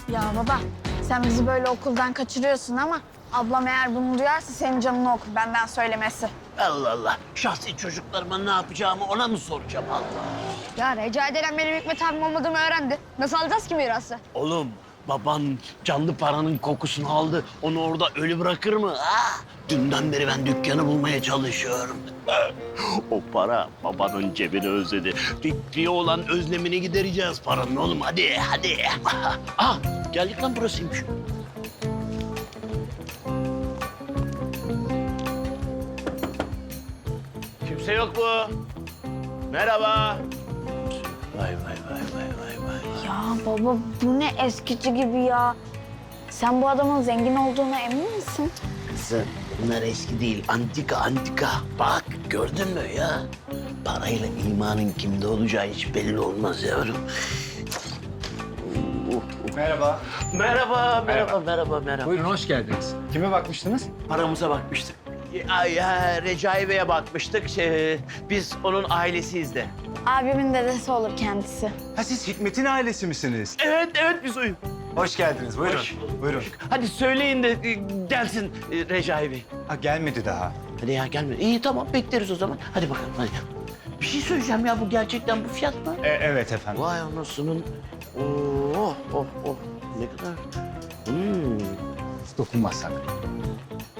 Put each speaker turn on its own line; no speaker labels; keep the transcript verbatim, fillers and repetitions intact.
Ya baba, sen bizi böyle okuldan kaçırıyorsun ama ablam eğer bunu duyarsa senin canını okur, benden söylemesi.
Allah Allah. Şahsi çocuklarıma ne yapacağımı ona mı soracağım Allah?
Ya Recai denen benim Hikmet abim olmadığımı öğrendi. Nasıl alacağız ki mirası?
Oğlum baban canlı paranın kokusunu aldı. Onu orada ölü bırakır mı? Ha? Dünden beri ben dükkanı bulmaya çalışıyorum. O para babanın cebini özledi. Fikriye olan özlemini gidereceğiz paranın oğlum. Hadi hadi. Ah geldik lan burasıymış. Kimse yok mu? Merhaba. Vay vay vay vay vay vay.
Ya baba, bu ne eskici gibi ya. Sen bu adamın zengin olduğuna emin misin?
Kızım bunlar eski değil, antika antika. Bak gördün mü ya? Parayla imanın kimde olacağı hiç belli olmaz yavrum.
Merhaba.
Merhaba, merhaba, merhaba, merhaba.
Buyurun, hoş geldiniz. Kime bakmıştınız?
Paramıza bakmıştık. Ay ya, Recai Bey'e bakmıştık. Şey, biz onun ailesiyiz de.
Abimin dedesi olur kendisi.
Ha, siz Hikmet'in ailesi misiniz?
Evet, evet biz oyun.
Hoş geldiniz, buyurun.
Hoş
Buyurun.
Hadi söyleyin de e, gelsin e, Recai Bey.
Ha, gelmedi daha.
Hadi ya gelme. İyi tamam bekleriz o zaman. Hadi bakalım hadi. Bir şey söyleyeceğim ya bu gerçekten bu fiyat mı?
E, evet efendim.
Vay anasının. Oh oh oh. Ne kadar? Hmm.
Dokunmazsak.